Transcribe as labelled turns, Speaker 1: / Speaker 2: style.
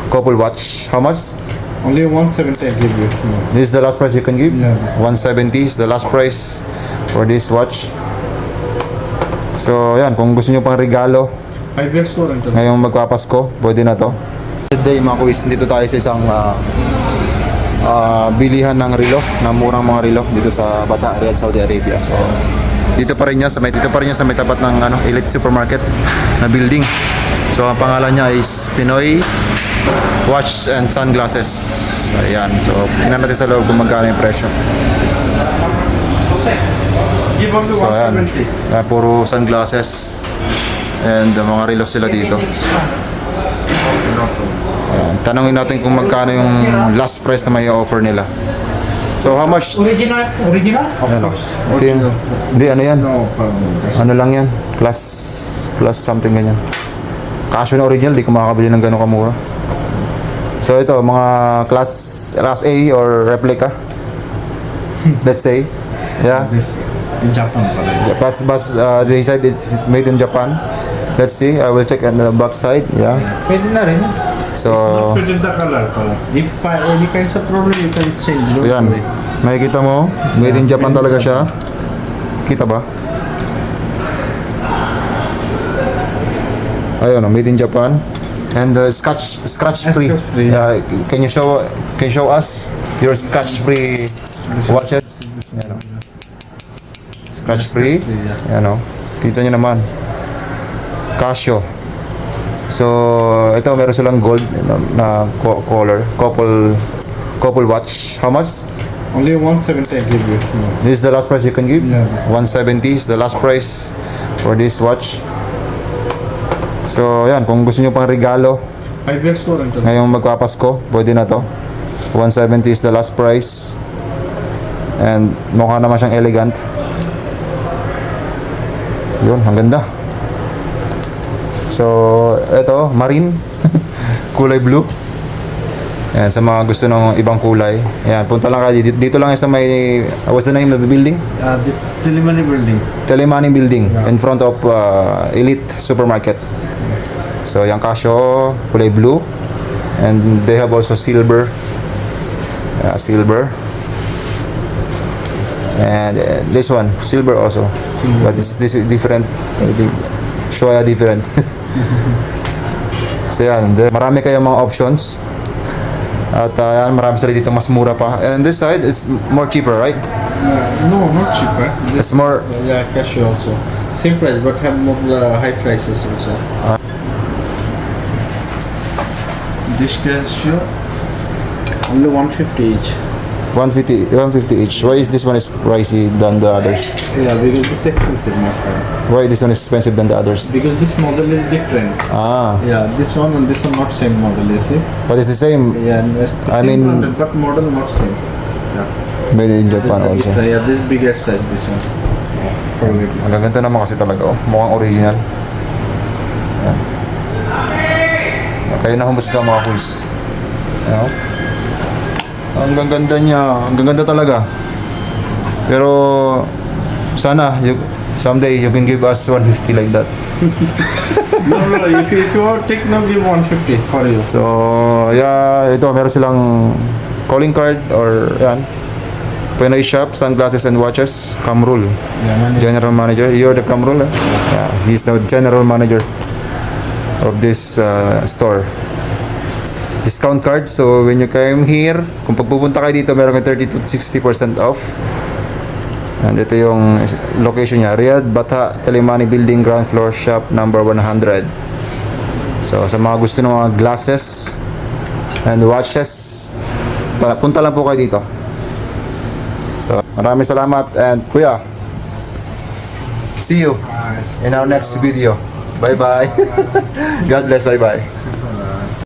Speaker 1: couple watch. How much?
Speaker 2: Only 170 I give you. No.
Speaker 1: This is the last price you can give?
Speaker 2: Yeah,
Speaker 1: 170 is the last price for this watch. So, yan. Kung gusto nyo pang regalo,
Speaker 2: 5 years warranty.
Speaker 1: ngayong magpapasko, pwede na to. Today, mga kuis, dito tayo sa isang bilihan ng relo, ng murang mga relo dito sa Bata, Riyadh, Saudi Arabia. So, dito pa rin niya sa may tapat ng Elite Supermarket na building. So, ang pangalan niya is Pinoy Watch and Sunglasses. Ayan. So, tingnan natin sa loob kung magkano yung presyo.
Speaker 2: Give only
Speaker 1: So, ayan.
Speaker 2: 170.
Speaker 1: Puro sunglasses and mga relo sila dito. Ayan. Tanungin natin kung magkano yung last price na may offer nila. So, how much?
Speaker 2: Original? Of
Speaker 1: Ayan.
Speaker 2: course.
Speaker 1: Ito yung, hindi, ano yan?
Speaker 2: No problem.
Speaker 1: Ano lang yan? Plus something ganyan. Casio na original, di ko makakabili ng gano'ng kamura. So ito, mga class A or replica. Let's say. Yeah.
Speaker 2: This in Japan pala.
Speaker 1: They said it's made in Japan. Let's see. I will check on the back side. Yeah.
Speaker 2: Pwede na rin.
Speaker 1: So,
Speaker 2: Pwede the color pala. If any kinds of problem, you can change. Don't
Speaker 1: ayan.
Speaker 2: worry.
Speaker 1: Makikita mo, made in Japan talaga siya. Kita ba? Ayun, made in Japan. And scratch free.
Speaker 2: Scratch free.
Speaker 1: Can you show us your scratch free watches? Yan, scratch free.
Speaker 2: yeah.
Speaker 1: Yan, kita nyo naman. Casio. So ito meron silang gold na color, couple watch. How much?
Speaker 2: Only 170 I give you. No.
Speaker 1: This is the last price you can give?
Speaker 2: Yeah.
Speaker 1: 170 is the last price for this watch. So, yan. Kung gusto nyo pang regalo,
Speaker 2: 5 years warranty.
Speaker 1: ngayong magpapasko, pwede na to. 170 is the last price. And mukha naman siyang elegant. Yun, ang ganda. So, eto, marine. Kulay blue. Ayan, sa mga gusto ng ibang kulay. Ayan, punta lang kayo. Dito lang sa may, what's the name of the building?
Speaker 2: This Telemani building.
Speaker 1: Telemani building in front of Elite Supermarket. So yung Casio kulay blue and they have also silver. Silver. And this one silver also.
Speaker 2: Silver.
Speaker 1: But this is different. Shoya different. So yan, marami kayong mga options. At yan, marami sila dito mas mura pa. And this side is more cheaper, right?
Speaker 2: No, not cheaper.
Speaker 1: It's more
Speaker 2: Yeah, Casio also. Same price, but have more high prices also. This Casio, only 150 each.
Speaker 1: 150 each. Why is this one is pricey than the others?
Speaker 2: Yeah, because this expensive, my friend.
Speaker 1: Why this one is expensive than the others?
Speaker 2: Because this model is different.
Speaker 1: Ah,
Speaker 2: Yeah, this one and this one not same model, you see?
Speaker 1: but it's the same.
Speaker 2: Yeah,
Speaker 1: I
Speaker 2: same
Speaker 1: mean-
Speaker 2: model, but model not same. Yeah.
Speaker 1: Made in Japan also.
Speaker 2: Yeah, this bigger size, this one. Yeah, probably this.
Speaker 1: Ang ganda naman kasi talaga, mukhang original. Yan. Kayo na humusga mga kuls. Ayan. Ang ganda niya, ang ganda talaga. Pero sana someday you can give us 150 like that.
Speaker 2: No, if you want take now, give 150 for you.
Speaker 1: So, yeah, ito meron silang calling card or yan. Pinoy Shop, Sunglasses and Watches, Kamrul. General Manager. You're the Kamrul, eh? Yeah, he's the General Manager of this store. Discount card. So, when you come here, kung pagpupunta kayo dito, meron kang 30 to 60% off. And ito yung location niya. Riyadh, Bata, Telemani Building, ground floor, shop number 100. So, sa mga gusto ng mga glasses and watches, punta lang po kayo dito. So, maraming salamat and kuya, see you in our next video. Bye bye. God bless. Bye bye.